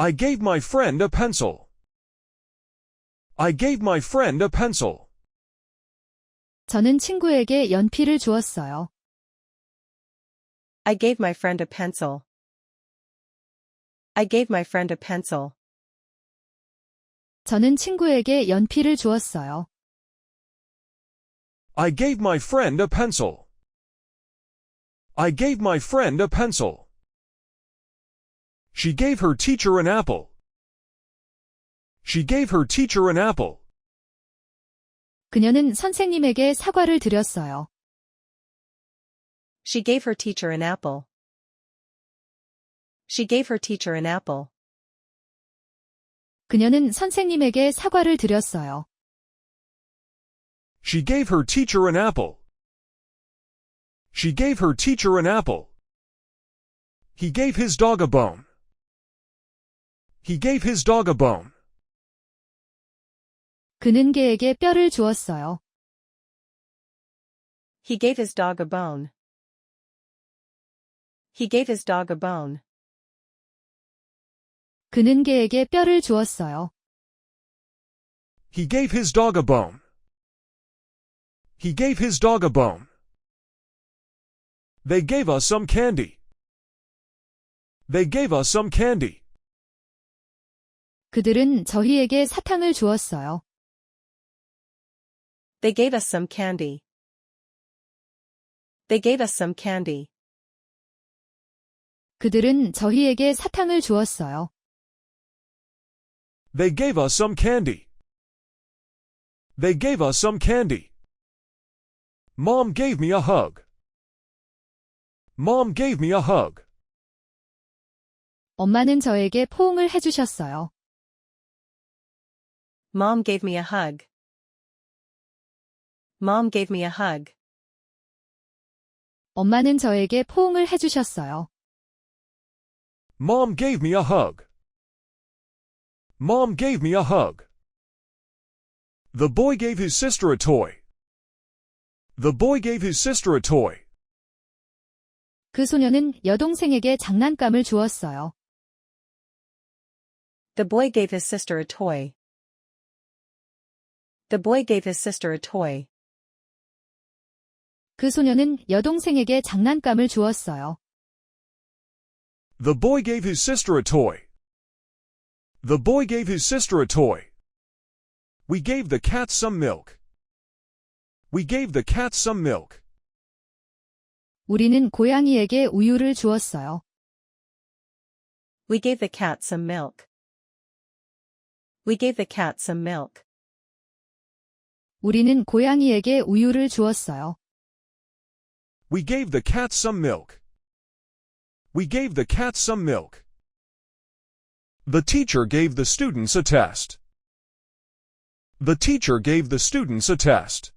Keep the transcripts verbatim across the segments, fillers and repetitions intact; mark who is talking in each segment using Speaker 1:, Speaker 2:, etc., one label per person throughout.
Speaker 1: I gave my friend a pencil. I gave my friend a pencil.
Speaker 2: 저는 친구에게 연필을 주었어요.
Speaker 3: I gave my friend a pencil. I gave my friend a pencil.
Speaker 2: 저는 친구에게 연필을 주었어요.
Speaker 1: I gave my friend a pencil. I gave my friend a pencil. She gave her teacher an apple. She gave her teacher an apple.
Speaker 2: 그녀는 선생님에게 사과를 드렸어요.
Speaker 3: She gave her teacher an apple. She gave her teacher an apple.
Speaker 2: 그녀는 선생님에게 사과를 드렸어요.
Speaker 1: She gave her teacher an apple. She gave her teacher an apple. He gave his dog a bone. He gave his dog a bone.
Speaker 2: 그는 개에게 뼈를 주었어요.
Speaker 3: He gave his dog a bone. He gave his dog a bone.
Speaker 2: 그는 개에게 뼈를 주었어요.
Speaker 1: He gave his dog a bone. He gave his dog a bone. They gave us some candy. They gave us some candy.
Speaker 2: 그들은 저희에게 사탕을 주었어요.
Speaker 3: They gave us some candy. They gave us some candy.
Speaker 2: 그들은 저희에게 사탕을 주었어요.
Speaker 1: They gave us some candy. They gave us some candy. Mom gave me a hug. Mom gave me a hug.
Speaker 2: 엄마는 저에게 포옹을 해주셨어요.
Speaker 3: Mom gave me a hug. Mom gave me a hug.
Speaker 2: 엄마는 저에게 포옹을 해주셨어요.
Speaker 1: Mom gave me a hug. Mom gave me a hug. The boy gave his sister a toy. The boy gave his sister a toy.
Speaker 2: 그 소녀는 여동생에게 장난감을 주었어요.
Speaker 3: The boy gave his sister a toy. The boy gave his sister a toy.
Speaker 2: 그 소녀는 여동생에게 장난감을 주었어요.
Speaker 1: The boy gave his sister a toy. The boy gave his sister a toy. We gave the cat some milk. We gave the cat some milk.
Speaker 2: 우리는 고양이에게 우유를 주었어요.
Speaker 3: We gave the cat some milk. We gave the cat some milk.
Speaker 2: 우리는 고양이에게 우유를 주었어요.
Speaker 1: We gave the cat some milk. We gave the cat some milk. The teacher gave the students a test. The teacher gave the students a test.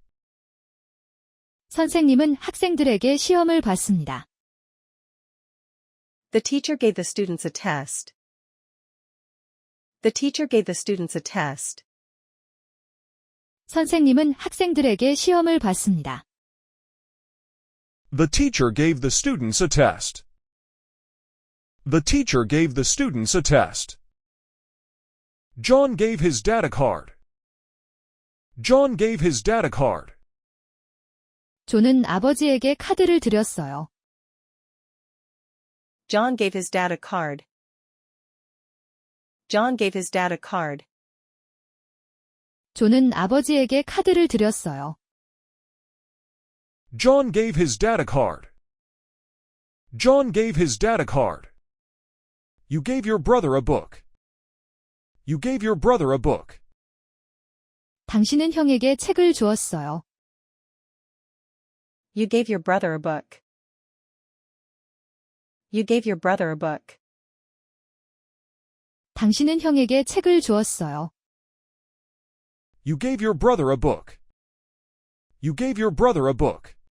Speaker 2: 선생님은 학생들에게 시험을 봤습니다.
Speaker 3: The teacher gave the students a test. The teacher gave the students a test.
Speaker 2: 선생님은 학생들에게 시험을 봤습니다.
Speaker 1: The teacher gave the students a test. The teacher gave the students a test. John gave his dad a card. John gave his dad a card.
Speaker 2: 존은 아버지에게 카드를 드렸어요.
Speaker 3: John gave his dad a card. John gave his dad a card.
Speaker 2: 존은 아버지에게 카드를 드렸어요.
Speaker 1: John gave his dad a card. John gave his dad a card. You gave your brother a book. You gave your brother a book.
Speaker 2: 당신은 형에게 책을 주었어요.
Speaker 3: You gave your brother a book. You gave your brother a book.
Speaker 2: 당신은 형에게 책을 주었어요.
Speaker 1: You gave your brother a book. You gave your brother a book.